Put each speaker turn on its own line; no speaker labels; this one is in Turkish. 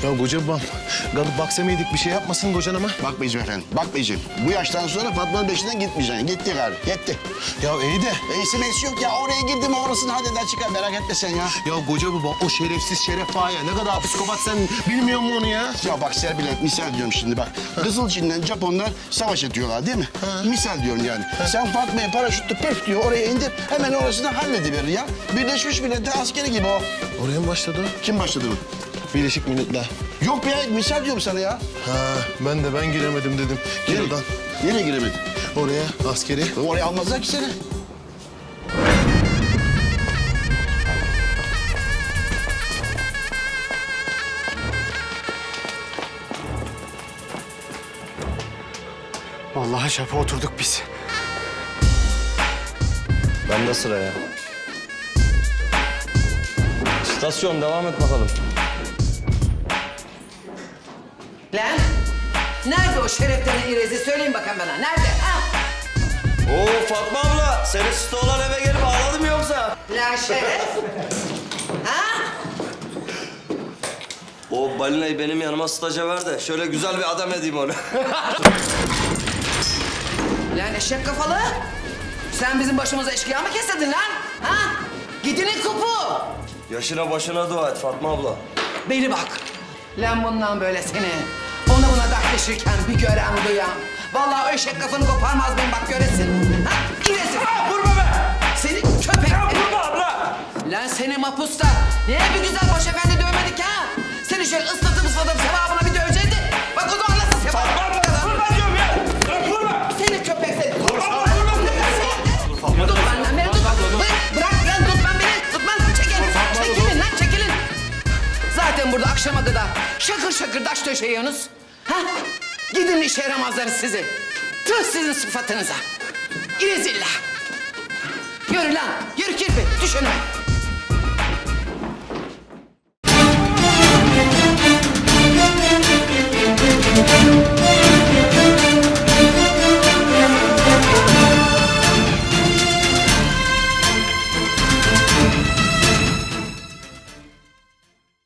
Ya koca babam, kalıp baksamaydık bir şey yapmasın kocan ama.
Bakmayacağım efendim, bakmayacağım. Bu yaştan sonra Fatma'nın peşinden gitmeyeceksin. Gitti gari, gitti.
Ya iyi de.
İyisi meysi yok ya. Oraya girdim orasını halleder çıkar. Merak etme sen ya.
Ya koca babam o şerefsiz Şeref Ağa ya. Ne kadar psikopat sen bilmiyor musun onu ya?
Ya bak Serpil'e misal diyorum şimdi bak. Kızılçin'le Japonlar savaş ediyorlar değil mi? Misal diyorum yani. Sen Fatma'ya paraşütle pöf diyor oraya indir. Hemen orasını hallediverir ya. Birleşmiş Milletler askeri gibi o.
Oraya mı başladı o?
Kim başladı bu?
Birleşik Milletler.
Yok be misal diyorum sana ya.
Ha, ben giremedim dedim. Gel
Nereye?
oradan.
Nereye giremedin?
Oraya askeri.
Oraya almazlar ki seni.
Vallahi şapa oturduk biz.
Bende sıra ya. İstasyon devam et bakalım.
Lan, nerede o şereflerin irezi? Söyleyin bakalım bana, nerede? Ha?
Oo Fatma abla, seni stoğlan eve gelip ağladım yoksa?
Lan şeref. Ha?
O balinayı benim yanıma staja ver de şöyle güzel bir adam edeyim onu.
Lan eşek kafalı. Sen bizim başımıza eşkıya mı kesildin lan? Ha? Gidinin kupu.
Yaşına başına dua et Fatma abla.
Beni bak. Lan bundan böyle seni ona buna dertleşirken bir gören duyan. Vallahi o eşek kafanı koparmaz benim bak göresin. Ha? İresin.
Vurma be!
Seni köpek.
Vurma abla!
Lan seni mapusta. Niye bir güzel baş efendi dövmedik ha? Seni şöyle ıslatıp sevabına bir dövecekti. Bak o zaman nasıl sevap?
Fatma abla! Vurma diyorum ya! Vurma!
Seni köpek seni.
Fatma
Tut lan beni tut. Bırak lan tutman beni. Tutman. Çekilin lan çekilin. Zaten burada akşama kadar şakır şakır taş döşeyiyorsunuz. Ha? Gidin işe yaramazları sizi. Tüh sizin sıfatınıza. İrezillah. Yürü lan. Yürü kirpi. Düş önüme.